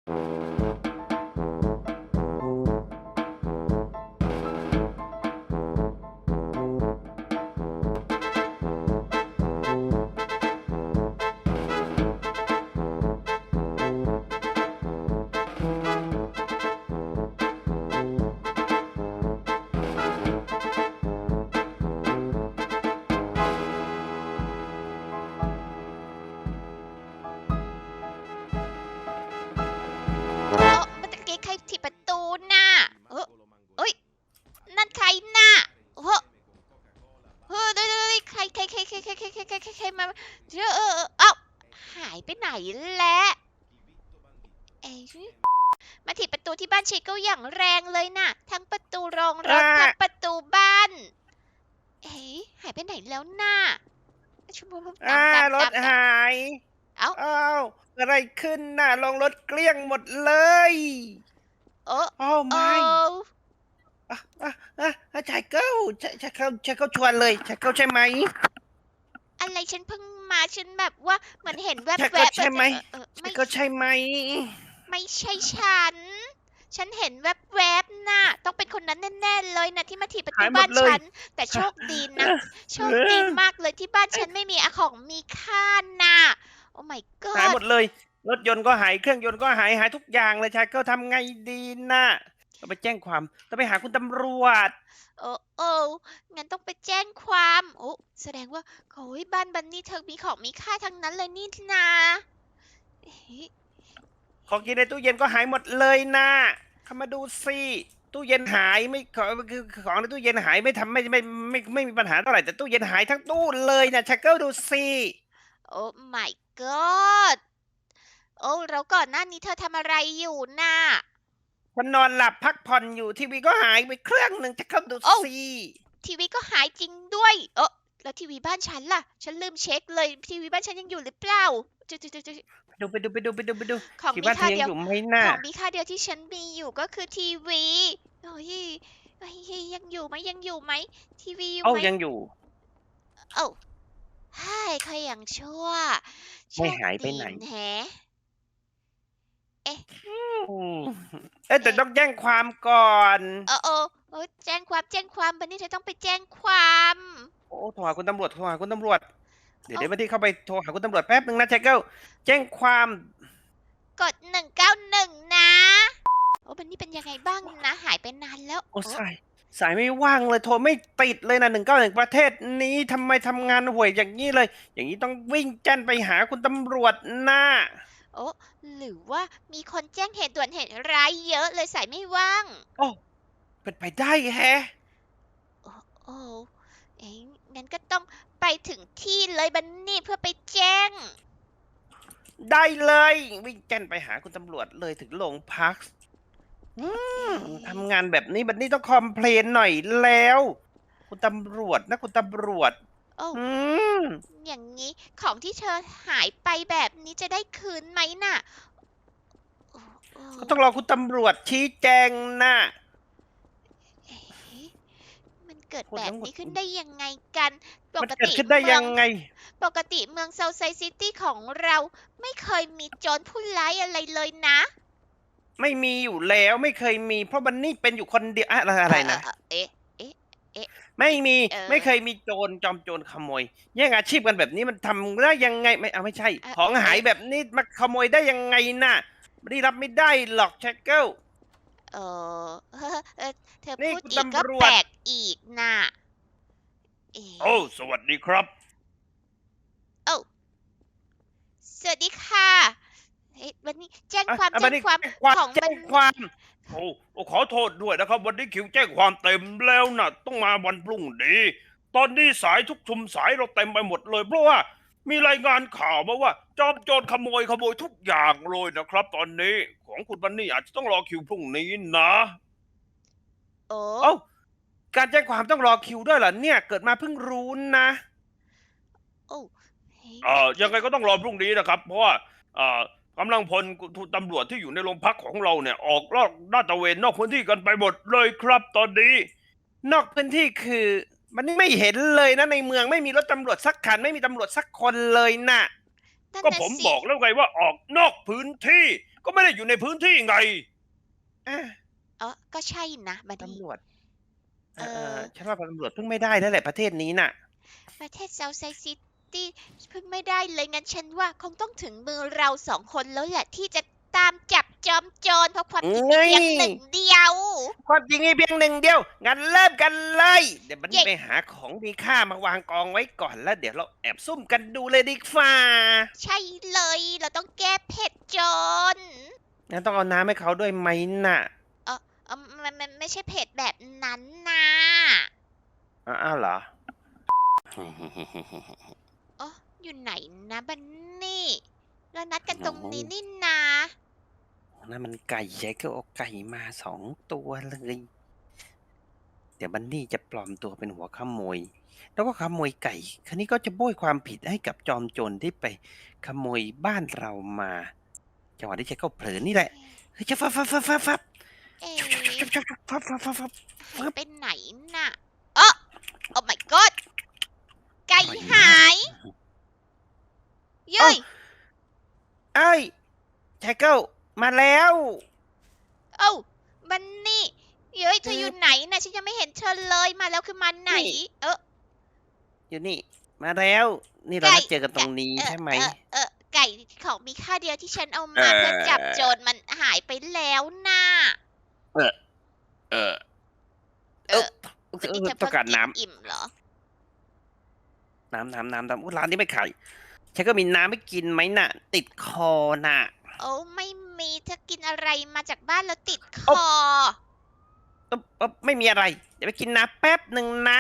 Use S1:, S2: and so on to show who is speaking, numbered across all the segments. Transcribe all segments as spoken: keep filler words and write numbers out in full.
S1: เออเมื่อตะกี้ใครถีบประตูน่ะเออเอ้ยนั่นใครน่ะเฮ้อเฮ้ยเดี๋ยวๆๆใครใครใครใครใครใครใครใครใครใครมาเออเออเออเอ้าหายไปไหนแล้วเอ๊ะมาถีบประตูที่บ้านชิคก็อย่างแรงเลยน่ะทั้งประตูโรงรถ
S2: อ่า
S1: ทั้งประตูบ้านเอ๊ะหายไปไหนแล้วน่ะชุบตาม
S2: อ่า
S1: ตาม
S2: รถ
S1: ตามตาม
S2: หาย
S1: เอ้า
S2: อ้าวอะไรขึ้นน่ะลงรถเกลี้ยงหมดเลย
S1: เออ
S2: โอ้
S1: เอ
S2: ไม่
S1: อ
S2: อ่ะอ่ะอ่ะอ่ะชายเก้าชายชายเก้าชายเก้าชวนเลยชายเก้าใช่ไหม
S1: อะไรฉันเพิ่งมาฉันแบบว่าเหมือนเห็นแว
S2: ชายเก้า
S1: บๆเออ
S2: ใช่ไหม
S1: เออเออ
S2: ชาย
S1: ไม่
S2: เก้าใช่ไหม
S1: ไม่ใช่ฉัน ฉันเห็นแวบๆน่ะต้องเป็นคนนั้นแน่ๆเลยนะที่มาถีบประตู
S2: หายหมดเลย
S1: บ้านฉัน แต่โชคดีนะ โชคดี
S2: เออ
S1: มากเลยที่บ้านฉันไม่มีอะของมีค่าน่ะโอ้ my
S2: หายห
S1: god
S2: มดเลยรถยนต์ก็หายเครื่องยนต์ก็หายหายทุกอย่างเลยชายเก้าทำไงดีน่ะต้องไปแจ้งความต้องไปหาคุณตำรวจ
S1: โอ้โอ้งั้นต้องไปแจ้งความโอ้แสดงว่าโอ้ยบ้านบันนี่เธอมีของมีค่าทั้งนั้นเลยนี่นาเฮ้ย
S2: ของกินในตู้เย็นก็หายหมดเลยนะเข้ามาดูสิตู้เย็นหายไม่ขอคือของในตู้เย็นหายไม่ทำไม่ไม่ไม่ไม่มีปัญหาเท่าไหร่แต่ตู้เย็นหายทั้งตู้เลยนะชักเกิลดูสิ
S1: โอ้ my god โอ้แล้วก่อนหน้านี้เธอทำอะไรอยู่น่ะ
S2: ฉันนอนหลับพักผ่อนอยู่ทีวีก็หายไปเครื่องหนึ่งชักเกิลดู
S1: โอ้
S2: สิ
S1: ทีวีก็หายจริงด้วย เออแล้วทีวีบ้านฉันล่ะ ฉันลืมเช็คเลยทีวีบ้านฉันยังอยู่หรือเปล่าจุๆๆ
S2: ไปดูไปดูไปดูไปดูไปดู
S1: ๆของ
S2: ที่บ้านเธ
S1: มีค่าเดียว
S2: อยังอยู่ไหมน่ะ
S1: ของมีค่าเดียวที่ฉันมีอยู่ก็คือทีวีโอ้ยเฮ้ยยังอยู่ไหมยังอยู่ไหมทีวีอยู่
S2: เอ้า
S1: ไหม
S2: ยังอยู่
S1: โอ้ใช่ค่อยยังชั่วโช
S2: ไม่
S1: คดี
S2: หายไปไหน
S1: แฮะเอ๊ะ
S2: อืมเอ๊ะแต่
S1: เอ๊ะ
S2: ต้องแจ้งความก่อน
S1: เออเออเออแจ้งความแจ้งความบันนี่เธอต้องไปแจ้งความ
S2: โอ้โทรหาคุณตำรวจโทรหาคุณตำรวจเดี๋ยว
S1: เอ้า
S2: เดี๋ยววันที่เข้าไปโทรหาคุณตำรวจแป๊บหนึ่งนะชักเกิลแจ้งความ
S1: กดหนึ่งเก้าหนึ่งนะ โอ้บันนี่เป็นยังไงบ้างนะหายไปนานแล้ว
S2: โอ้
S1: โอ้
S2: สายสายไม่ว่างเลยโทรไม่ติดเลยนะหนึ่งเก้าหนึ่งประเทศนี้ทำไมทำงานห่วยอย่างนี้เลย อย่างนี้ต้องวิ่งแจ้นไปหาคุณตำรวจนะ
S1: โอ้หรือว่ามีคนแจ้งเหตุด่วนเหตุร้ายเยอะเลยสายไม่ว่าง
S2: โอ้เป็นไปได้แฮะ
S1: โอ้โอ้เอ้ยงั้นก็ต้องไปถึงที่เลยบันนี่เพื่อไปแจ้ง
S2: ได้เลยวิ่งแจ้นไปหาคุณตำรวจเลยถึงโรงพักอื
S1: เอ๊
S2: ม
S1: ะ
S2: ทำงานแบบนี้บัดนี้ต้องคอมเพลนหน่อยแล้ว คุณตำรวจนะคุณตำรวจ
S1: โอ้
S2: อืม
S1: อย่างนี้ของที่เธอหายไปแบบนี้จะได้คืนไหมน่ะโอ้โอ้
S2: ก็ต้องรอคุณตำรวจชี้แจงนะ
S1: เอ๊ะมันเกิด
S2: พูด
S1: แบบ
S2: ทั้งหมด
S1: นี้ขึ้นได้ยังไงกันป
S2: มัน
S1: กติ
S2: เกิดขึ้นได้
S1: เมือง
S2: ยังไง
S1: ปกติเมืองเซาท์ไซซิตี้ของเราไม่เคยมีโจรผู้ร้ายอะไรเลยนะ
S2: ไม่มีอยู่แล้วไม่เคยมีเพราะบันนี่เป็นอยู่คนเดียวอะอะไร
S1: เอ
S2: อะไรนะ
S1: อเออเออเอ๊ะเอ๊ะเอ๊ะ
S2: ไม่มี
S1: เออ
S2: ไม่เคยมีโจรจอมโจรขโมยแย่งอาชีพกันแบบนี้มันทำได้ยังไงไม่เอาไม่ใช่
S1: เออ
S2: ของหาย
S1: เอ๊ะ
S2: แบบนี้มาขโมยได้ยังไงน่ะไม่ได้รับไม่ได้หรอกแชกเกิล
S1: เออเออเออเธอ
S2: นี่
S1: พูด
S2: คุณ
S1: อีกก็
S2: ตำรวจ
S1: แปลกอีกน่ะเอ๊
S2: โอ้
S1: ะ
S2: สวัสดีครับ
S1: โอ้สวัสดีค่ะเฮ้ยวันนี้แจ้ง
S2: อ่ะ
S1: ความ
S2: อ่ะบันนี่
S1: แจ้งความ
S2: แจ้งความแจ้
S1: ของมัน
S2: งความโอ้โอ้ขอโทษด้วยนะครับวันนี้คิวแจ้งความเต็มแล้วนะต้องมาวันพรุ่งนี้ตอนนี้สายทุกชุมสายเราเต็มไปหมดเลยเพราะว่ามีรายงานข่าวมาว่าจอมโจรขโมยขโมยทุกอย่างเลยนะครับตอนนี้ของคุณบันนี่อาจจะต้องรอคิวพรุ่งนี้นะ
S1: โอ้
S2: เอ้าการแจ้งความต้องรอคิวด้วยเหรอเนี่ยเกิดมาเพิ่งรู้นะ
S1: โอ้เฮ้ย
S2: เอ่อยั
S1: งั้นก็
S2: งไงก็ต้องรอพรุ่งนี้นะครับเพราะว่าเอ่อกำลังพลตำรวจที่อยู่ในโรงพักของเราเนี่ยออกลาดลาดตระเวนนอกพื้นที่กันไปหมดเลยครับตอนนี้นอกพื้นที่คือมันไม่เห็นเลยนะในเมืองไม่มีรถตำรวจสักคันไม่มีตำรวจสักคนเลยนะ
S1: นั่น
S2: ก็
S1: น่ะสิ
S2: ผมบอกแล้วไงว่าออกนอกพื้นที่ก็ไม่ได้อยู่ในพื้นที่ไง
S3: อ่ะ
S1: เออก็ใช่นะบัดนี้
S3: ตำรวจเอ
S1: เอ
S3: อเออ
S1: อ
S3: ฉันว่าตำรวจเพิ่งไม่ได้แล้วแหละประเทศนี้น่ะ
S1: ประเทศเซาท์ไซซิตี้เพิ่งไม่ได้เลยงั้นฉันว่าคงต้องถึงมือเราสองคนแล้วแหละที่จะตามจับจอมโจรเพราะความผิดมีเพียงหนึ่งเดียว
S3: ความจริงมีเพียงหนึ่งเดียวงั้นเริ่มกันเลย เดี๋ยวบัน
S1: เย้
S3: นี้ไปหาของมีค่ามาวางกองไว้ก่อนแล้วเดี๋ยวเราแอบซุ่มกันดูเลยดีกว่า
S1: ใช่เลยเราต้องแก้เผ็ดโจร
S3: งั้นต้องเอาน้ำให้เขาด้วยไหมน่ะ
S1: เออเออมันมันไม่ใช่เผ็ดแบบนั้นนะ
S3: อ้าวเหรอ
S1: เอออยู่ไหนนะบันนี่เรานัดกันตรงนี้นี่นา
S3: นั่นมันไก่ใหญ่ก็เอาไก่มาสองตัวเลย เดี๋ยวบันนี่จะปลอมตัวเป็นหัวขโมย แล้วก็ขโมยไก่ คราวนี้ก็จะโบยความผิดให้กับจอมโจรที่ไปขโมยบ้านเรามาจังหวะที่เจ๊ก็เผลอนี่แหละเฮ้ยจะฟับฟับฟับฟับฟับ
S1: เอ๊ะ
S3: ฟับฟับฟับฟับฟับ
S1: หายไปไหนน่ะเออโอ้ my god ไก่หายเย้ย
S3: เอ้ยแจ็คเกิลมาแล้ว
S1: เอ้าบันนี่เย้ยเธอ
S3: เออ
S1: อ
S3: อ
S1: ยู่ไหนนะฉันยังไม่เห็นเธอเลยมาแล้วคือมาไหน
S3: นี่
S1: เออ
S3: อยู่นี่ มาแล้ว นี่เรา
S1: ไก่
S3: นัดเจอกันตรงนี้
S1: เออ
S3: ใช่ไหม
S1: เออเออไก่ของมีค่าเดียวที่ฉันเอามาเพื่อจับโจรมันหายไปแล้วน่ะ
S3: เออ เออ
S1: เออ
S3: เออ
S1: วันนี้เธอ
S3: ต้
S1: เพิ่
S3: อง งการ
S1: กิน
S3: น้
S1: อิ่มเหรอ
S3: ำน้ำน้ำน้ำน้ำอุ๊ยร้านนี้ไม่ขายแจ็คเก็มีน้ำไม่กินไหมน่ะ ติดคอน่ะ
S1: โอ้ไม่มีเธอกินอะไรมาจากบ้านแล้วติดค
S3: โอ๊
S1: อ
S3: เอ๊บเอ๊บไม่มีอะไร เดี๋ยวไปกินน้ำแป๊บหนึ่งนะ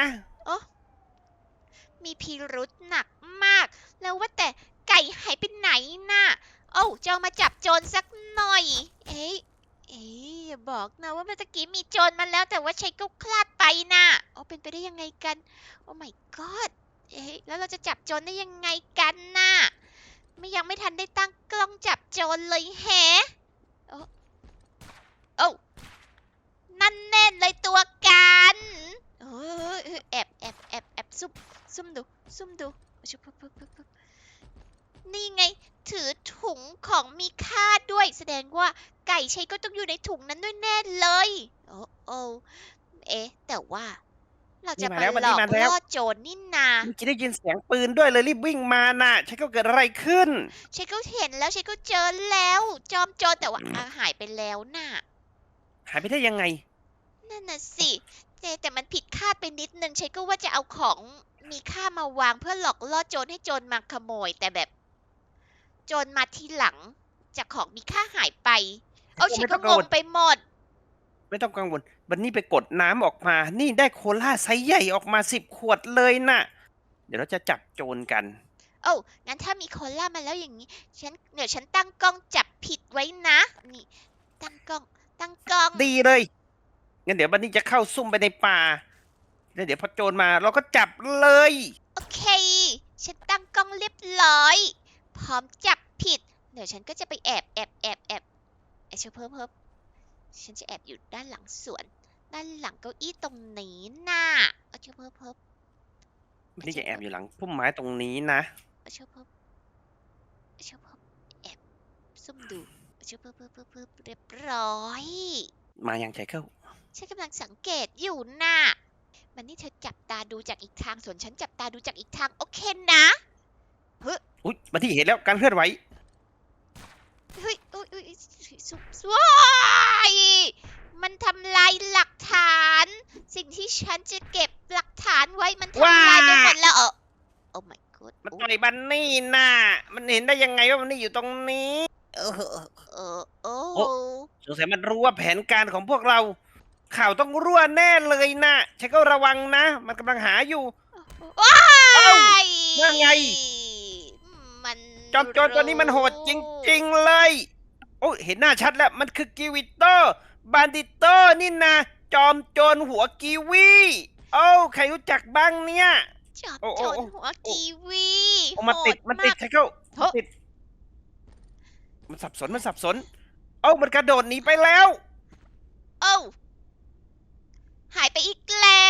S1: มีพิรุษหนักมาก แล้วว่าแต่ไก่หายไปไหนน่ะโอ้าจะเอามาจับโจรสักหน่อย เอ๊ะเอ๊ะอย่าบอกนะว่าเมื่อตะกี้มีโจรมาแล้วแต่ว่าใช้ก็คลาดไปน่ะโอ้เป็นไปได้ยังไงกัน โอ้ my god เอ๊ะแล้วเราจะจับโจรได้ยังไงกันน่ะไม่ยังไม่ทันได้ตั้งกล้องจับโจรเลยแฮะโอ้โอ้นั่นแน่เลยตัวกันเออเออแอบแอบแอบแอบซุ่มซุ่มดูซุ่มดูชุบปุ๊บปุ๊บปุ๊บปุ๊บนี่ไง ถือถุงของมีค่าด้วย แสดงว่าไก่ชัยก็ต้องอยู่ในถุงนั้นด้วยแน่เลย โอ้โอ้เอ๊ะ แต่ว่า เราจะ
S3: นี่มา
S1: มา
S3: แล้ว
S1: หลอก
S3: มาแล้ว
S1: ล่อโจรนี่นา
S3: เมื่อกี้ได้ยินเสียงปืนด้วยเลยรีบวิ่งมาน่ะแจ็คเก็เกิดอะไรขึ้น
S1: ชัยก็เห็นแล้วชัยก็เจอแล้ว จอมโจรแต่ว่าอ่ะหายไปแล้วน่ะ
S3: หายไปได้ยังไง
S1: นั่นน่ะสิแต่แต่มันผิดคาดไปนิดนึงชัยก็ว่าจะเอาของมีค่ามาวางเพื่อหลอกล่อโจรให้โจรมาขโมย แต่แบบ โจรมาทีหลัง จากของมีค่าหายไป เอาชัยก็งงไปหมด
S3: ไม่ต้องกังวลวันนี้ไปกดน้ำออกมา นี่ได้โคลาไซส์ใหญ่ออกมาสิบขวดเลยน่ะ เดี๋ยวเราจะจับโจรกัน
S1: โอ้งั้นถ้ามีโคล่ามาแล้วอย่างนี้ ฉันเดี๋ยวฉันตั้งกล้องจับผิดไว้นะ นี่ ตั้งกล้อง ตั้งกล้อง
S3: ดีเลย งั้นเดี๋ยววันนี้จะเข้าซุ่มไปในป่า แล้วเดี๋ยวพอโจรมาเราก็จับเลย
S1: โอเค ฉันตั้งกล้องเรียบร้อย พร้อมจับผิด เดี๋ยวฉันก็จะไปแอบแอบแอบแอบแอบเชเพิ่มเพิ่มฉันจะแอบอยู่ด้านหลังสวน ด้านหลังเก้าอี้ตรงนี้น่ะเอาเชเพิ่มเพิ่ม
S3: วันนี้จะแอบอยู่หลังพุ่มไม้ตรงนี้นะ
S1: เอาเชเพิ่มเอาเชเพิ่มแอบซุ่มดูเอาเชเพิ่มเพิ่มเพิ่มเพิ่มเรียบร้อย
S3: มาอย่างใจเข้า
S1: ฉันกำลังสังเกตอยู่น่ะ มันนี่เธอจับตาดูจากอีกทาง ส่วนฉันจับตาดูจากอีกทาง โอเคนะ
S3: อุ๊ยมาที่เห็นแล้วการเคลื่อนไหว
S1: เฮ้ยอุ้ยอุ้ยสุสว้ายมันทำลายหลักฐาน สิ่งที่ฉันจะเก็บหลักฐานไว้มันทำลายไปหมดแล้วเออโอ้ my god
S3: มันต่อยบันนี่น่ะ มันเห็นได้ยังไงว่ามันนี่อยู่ตรงนี้ เออ
S1: เออโอ้
S3: โอ้ สงสัยมันรู้ว่าแผนการของพวกเรา ข่าวต้องรั่วแน่เลยนะใช้ก็ระวังนะ มันกำลังหาอยู่
S1: ว้า
S3: เอ้าย ว่าไง
S1: มัน
S3: จอมโจรตัวนี้มันโหดจริงๆเลย โอ้ยเห็นหน้าชัดแล้ว มันคือกิวิโตบานดิโตนี่นะ จอมโจรหัวกีวีโอ้าใครรู้จักบ้างเนี่ย
S1: จอม
S3: โอ้
S1: โจ
S3: โอ้
S1: ร
S3: โอ้
S1: หัวกีวี
S3: โอ้มันติด
S1: โห
S3: มันติด
S1: าก
S3: ใช่เข้า
S1: เฮ้ย
S3: มันติด มันสับสน มันสับสน เอ้ามันกระโดดหนีไปแล้ว
S1: โอ้าหายไปอีกแล้ว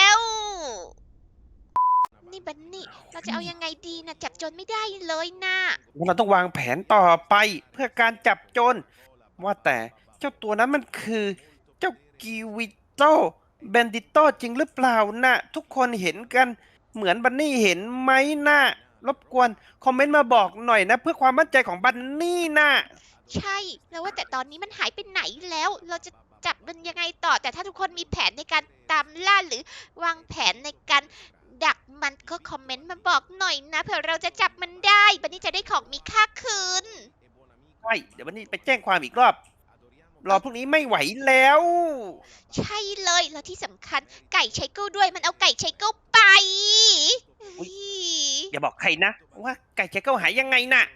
S1: นี่บันนี่ เราจะเอายังไงดีนะจับโจรไม่ได้เลยนะ
S3: งั้นเราต้องวางแผนต่อไปเพื่อการจับโจรว่าแต่เจ้าตัวนั้นมันคือเจ้ากิวิโตแบนดิโตจริงหรือเปล่านะทุกคนเห็นกันเหมือนบันนี่เห็นไหมนะรบกวนคอมเมนต์มาบอกหน่อยนะเพื่อความมั่นใจของบันนี่นะ
S1: ใช่แล้วว่าแต่ตอนนี้มันหายไปไหนแล้ว เราจะจับมันยังไงต่อ แต่ถ้าทุกคนมีแผนในการตามล่าหรือวางแผนในการดักมันก็คอมเมนต์มาบอกหน่อยนะเผื่อเราจะจับมันได้บันนี้จะได้ของมีค่าคืน
S3: ใช่เดี๋ยววันนี้ไปแจ้งความอีกรอบ รอพวกนี้ไม่ไหวแล้ว
S1: ใช่เลยแล้วที่สำคัญไก่ไชเกิลด้วยมันเอาไก่ไชเกิลไป
S3: อุ๊ย อย่าบอกใครนะ ว่าไก่เจ๊เก้าหายยังไงน่ะ